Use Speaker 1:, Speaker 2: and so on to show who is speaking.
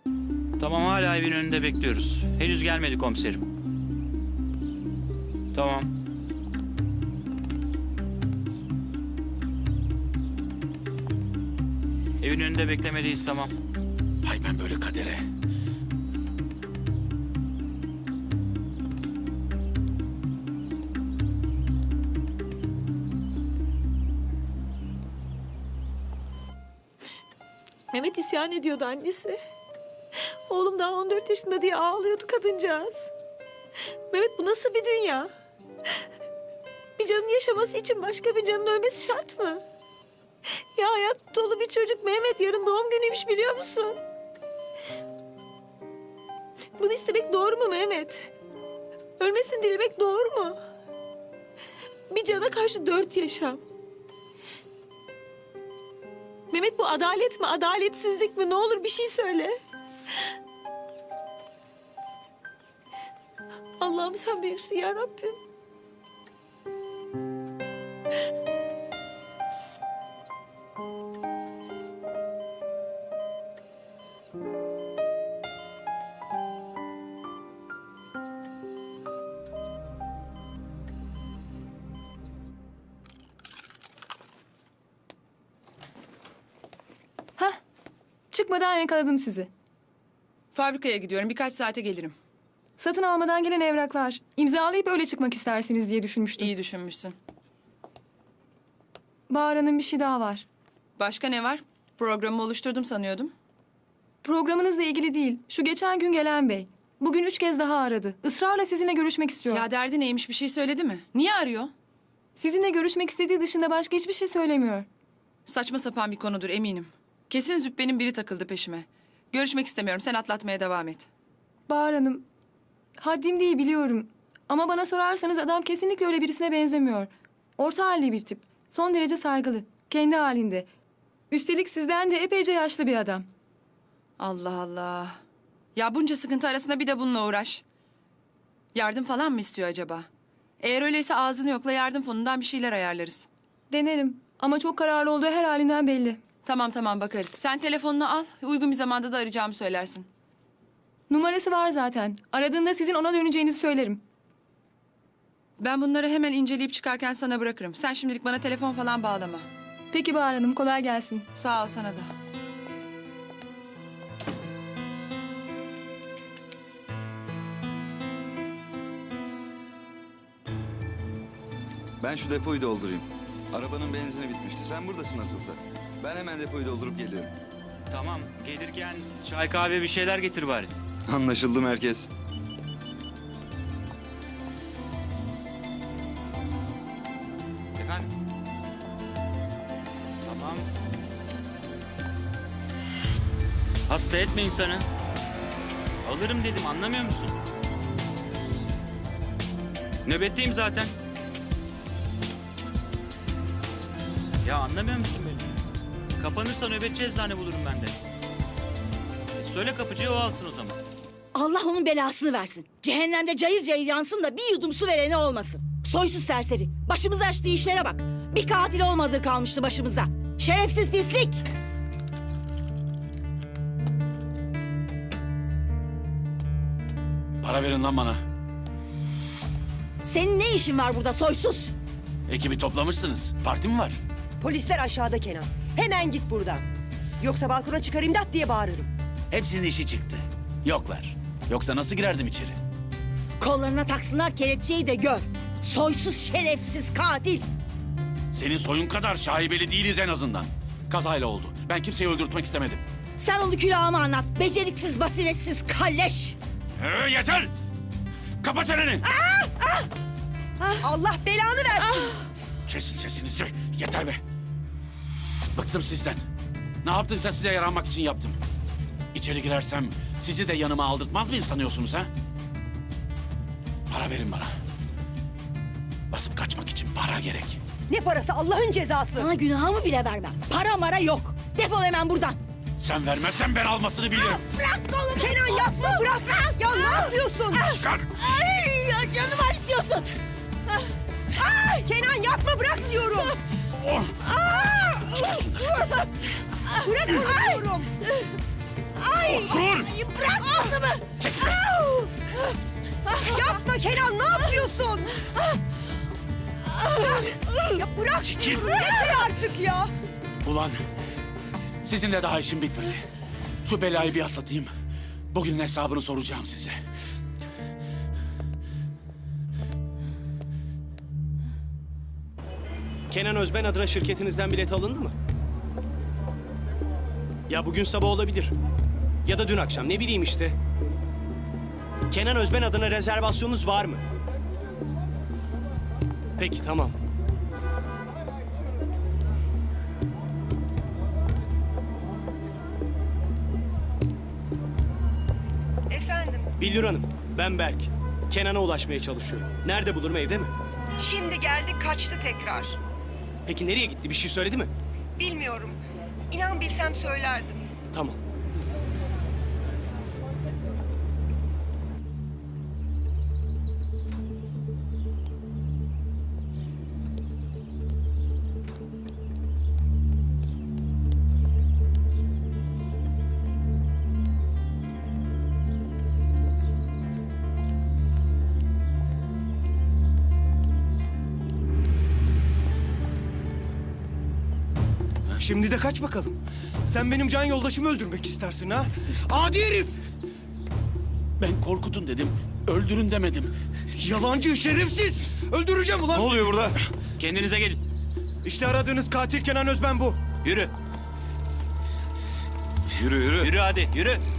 Speaker 1: Tamam, hala evin önünde bekliyoruz. Henüz gelmedi komiserim. Tamam. Evin önünde beklemedeyiz, tamam.
Speaker 2: Hay ben böyle kadere.
Speaker 3: Mehmet isyan ediyordu annesi. Oğlum daha 14 yaşında diye ağlıyordu kadıncağız. Mehmet, bu nasıl bir dünya? Bir canın yaşaması için başka bir canın ölmesi şart mı? Ya hayat dolu bir çocuk Mehmet, yarın doğum günüymüş, biliyor musun? Bunu istemek doğru mu Mehmet? Ölmesini dilemek doğru mu? Bir cana karşı 4 yaşam. Mehmet, bu adalet mi, adaletsizlik mi? Ne olur bir şey söyle. Allah'ım sen büyüksün ya Rabbim.
Speaker 4: Hah, çıkmadan yakaladım sizi.
Speaker 5: Fabrikaya gidiyorum. Birkaç saate gelirim.
Speaker 4: Satın almadan gelen evraklar. İmzalayıp öyle çıkmak istersiniz diye düşünmüştüm.
Speaker 5: İyi düşünmüşsün.
Speaker 4: Bahar Hanım, bir şey daha var.
Speaker 5: Başka ne var? Programı oluşturdum sanıyordum.
Speaker 4: Programınızla ilgili değil. Şu geçen gün gelen bey. Bugün 3 kez daha aradı. Israrla sizinle görüşmek istiyor.
Speaker 5: Ya derdi neymiş, bir şey söyledi mi? Niye arıyor?
Speaker 4: Sizinle görüşmek istediği dışında başka hiçbir şey söylemiyor.
Speaker 5: Saçma sapan bir konudur eminim. Kesin züppenin biri takıldı peşime. Görüşmek istemiyorum. Sen atlatmaya devam et.
Speaker 4: Bahar Hanım, haddim değil biliyorum. Ama bana sorarsanız adam kesinlikle öyle birisine benzemiyor. Orta halli bir tip. Son derece saygılı. Kendi halinde. Üstelik sizden de epeyce yaşlı bir adam.
Speaker 5: Allah Allah. Ya bunca sıkıntı arasında bir de bununla uğraş. Yardım falan mı istiyor acaba? Eğer öyleyse ağzını yokla, yardım fonundan bir şeyler ayarlarız.
Speaker 4: Denerim ama çok kararlı olduğu her halinden belli.
Speaker 5: Tamam bakarız. Sen telefonunu al. Uygun bir zamanda da arayacağımı söylersin.
Speaker 4: Numarası var zaten. Aradığında sizin ona döneceğinizi söylerim.
Speaker 5: Ben bunları hemen inceleyip çıkarken sana bırakırım. Sen şimdilik bana telefon falan bağlama.
Speaker 4: Peki Bahar Hanım, kolay gelsin.
Speaker 5: Sağ ol, sana da.
Speaker 6: Ben şu depoyu doldurayım. Arabanın benzini bitmişti. Sen buradasın nasılsa. Ben hemen depoyu doldurup geliyorum.
Speaker 1: Tamam, gelirken çay kahve bir şeyler getir bari.
Speaker 6: Anlaşıldı merkez.
Speaker 1: Efendim? Tamam. Hasta etme insanı. Alırım dedim, anlamıyor musun? Nöbetteyim zaten. Ya anlamıyor musun beni? Kapanırsa nöbetçi eczane bulurum ben de. Söyle kapıcıya, o alsın o zaman.
Speaker 7: Allah onun belasını versin. Cehennemde cayır cayır yansın da bir yudum su vereni olmasın. Soysuz serseri. Başımıza açtığı işlere bak. Bir katil olmadığı kalmıştı başımıza. Şerefsiz pislik.
Speaker 2: Para verin lan bana.
Speaker 7: Senin ne işin var burada soysuz?
Speaker 2: Ekibi toplamışsınız. Parti mi var?
Speaker 8: Polisler aşağıda Kenan. Hemen git buradan. Yoksa balkona çıkar imdat diye bağırırım.
Speaker 2: Hepsinin işi çıktı. Yoklar. Yoksa nasıl girerdim içeri?
Speaker 7: Kollarına taksınlar kelepçeyi de gör. Soysuz şerefsiz katil.
Speaker 2: Senin soyun kadar şaibeli değiliz en azından. Kazayla oldu. Ben kimseyi öldürtmek istemedim.
Speaker 7: Sen onu külahıma anlat. Beceriksiz, basiretsiz kalleş.
Speaker 2: Yeter! Kapa çeneni!
Speaker 8: Allah belanı versin.
Speaker 2: Kesin sesinizi. Yeter be. Bıktım sizden. Ne yaptımsa size yaranmak için yaptım. İçeri girersem sizi de yanıma aldırtmaz mıyım sanıyorsunuz ha? Para verin bana. Basıp kaçmak için para gerek.
Speaker 8: Ne parası Allah'ın cezası.
Speaker 7: Sana günahımı bile vermem. Para mara yok. Defol hemen buradan.
Speaker 2: Sen vermezsen ben almasını bilirim.
Speaker 7: Bırak kolumu.
Speaker 8: Kenan yapma bırak. Ya ne yapıyorsun?
Speaker 2: Çıkar.
Speaker 7: Ay, ya canımı acıtıyorsun.
Speaker 8: Kenan yapma bırak diyorum.
Speaker 2: Oh. Çıkar şunları.
Speaker 8: Bırak onu diyorum.
Speaker 2: Otur!
Speaker 7: Bırak kızımı.
Speaker 2: Çekil!
Speaker 8: Yapma Kenan, ne yapıyorsun? Ya bırak.
Speaker 2: Çekil!
Speaker 8: Yeter artık ya.
Speaker 2: Ulan sizinle daha işim bitmedi. Şu belayı bir atlatayım. Bugünün hesabını soracağım size.
Speaker 9: Kenan Özben adına şirketinizden bilet alındı mı? Ya bugün sabah olabilir. Ya da dün akşam, ne bileyim işte. Kenan Özben adına rezervasyonunuz var mı? Peki, tamam.
Speaker 8: Efendim,
Speaker 9: Billur Hanım, ben Berk. Kenan'a ulaşmaya çalışıyorum. Nerede bulurum, evde mi?
Speaker 8: şimdi geldi kaçtı tekrar.
Speaker 9: Peki nereye gitti, bir şey söyledi mi?
Speaker 8: Bilmiyorum. İnan bilsem söylerdim.
Speaker 9: Tamam.
Speaker 10: Şimdi de kaç bakalım. Sen benim can yoldaşımı öldürmek istersin ha? Adi herif!
Speaker 2: Ben korkutun dedim, öldürün demedim.
Speaker 10: Yalancı, şerefsiz! Öldüreceğim ulan!
Speaker 6: Ne oluyor burada?
Speaker 1: Kendinize gelin.
Speaker 10: İşte aradığınız katil Kenan Özben bu.
Speaker 1: Yürü.
Speaker 6: Yürü yürü.
Speaker 1: Yürü hadi yürü.